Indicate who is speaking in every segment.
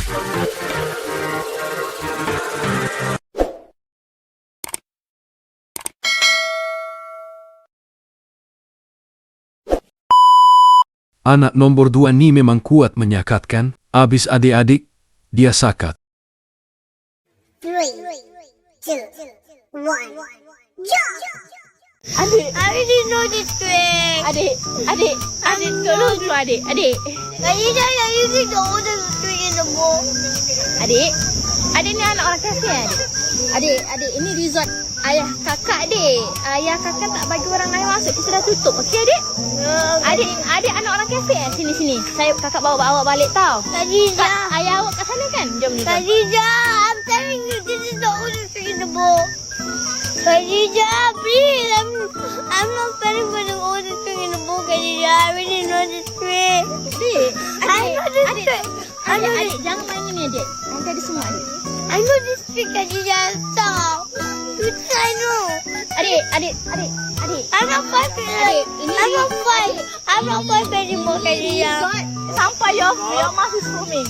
Speaker 1: Anak nomor 2 ni memang kuat menyakatkan, habis adik-adik, dia sakat.
Speaker 2: 3, 2, 1, jump!
Speaker 3: Adik,
Speaker 2: I already know this trick.
Speaker 3: adik, tolong tu adik.
Speaker 2: Kali dah yang using the oldest trick in the book.
Speaker 3: Adik ni anak orang kafir adik. Adik, ini resort ayah kakak adik. Ayah kakak tak bagi orang lain masuk, kita dah tutup. Okey adik? Adik anak orang kafir. Sini. Kakak bawa awak balik tau.
Speaker 2: Khadijah.
Speaker 3: Ayah awak kat sana kan? Jom.
Speaker 2: Khadijah, I'm telling you, this is the oldest trick in the book. Khadijah, please, I'm not falling for the oldest trick in the book, Khadijah. I already know this trick. I know this trick.
Speaker 3: Adik, jangan main ni adik. Nanti ada semua adik.
Speaker 2: I know this trick, Khadijah. Stop. I know.
Speaker 3: Adik.
Speaker 2: I'm not fighting. I'm not fighting anymore, Khadijah.
Speaker 3: Sampai your mouth is foaming.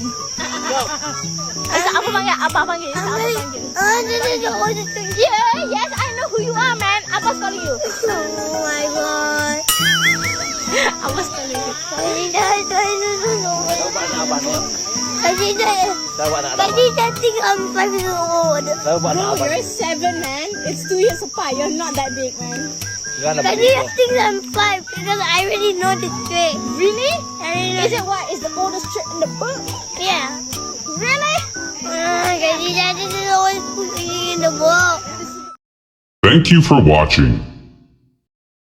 Speaker 3: Apa panggil? Apa panggil?
Speaker 2: This is the oldest trick.
Speaker 3: Yes, I know who you are, man. Abang calling you.
Speaker 2: Oh my god.
Speaker 3: Abang calling you.
Speaker 2: Khadijah, I don't know.
Speaker 4: Abang ni.
Speaker 2: Khadijah think I'm 5 years old.
Speaker 3: Bro, you're 7, man. It's 2 years apart. You're not that big, man.
Speaker 2: Khadijah thinks I'm 5 because I already know this trick.
Speaker 3: Really?
Speaker 2: I already know.
Speaker 3: Is it what? Is the oldest trick in the book?
Speaker 2: Yeah.
Speaker 3: Really?
Speaker 2: Khadijah, this is always putting in the book.
Speaker 5: Thank you for watching.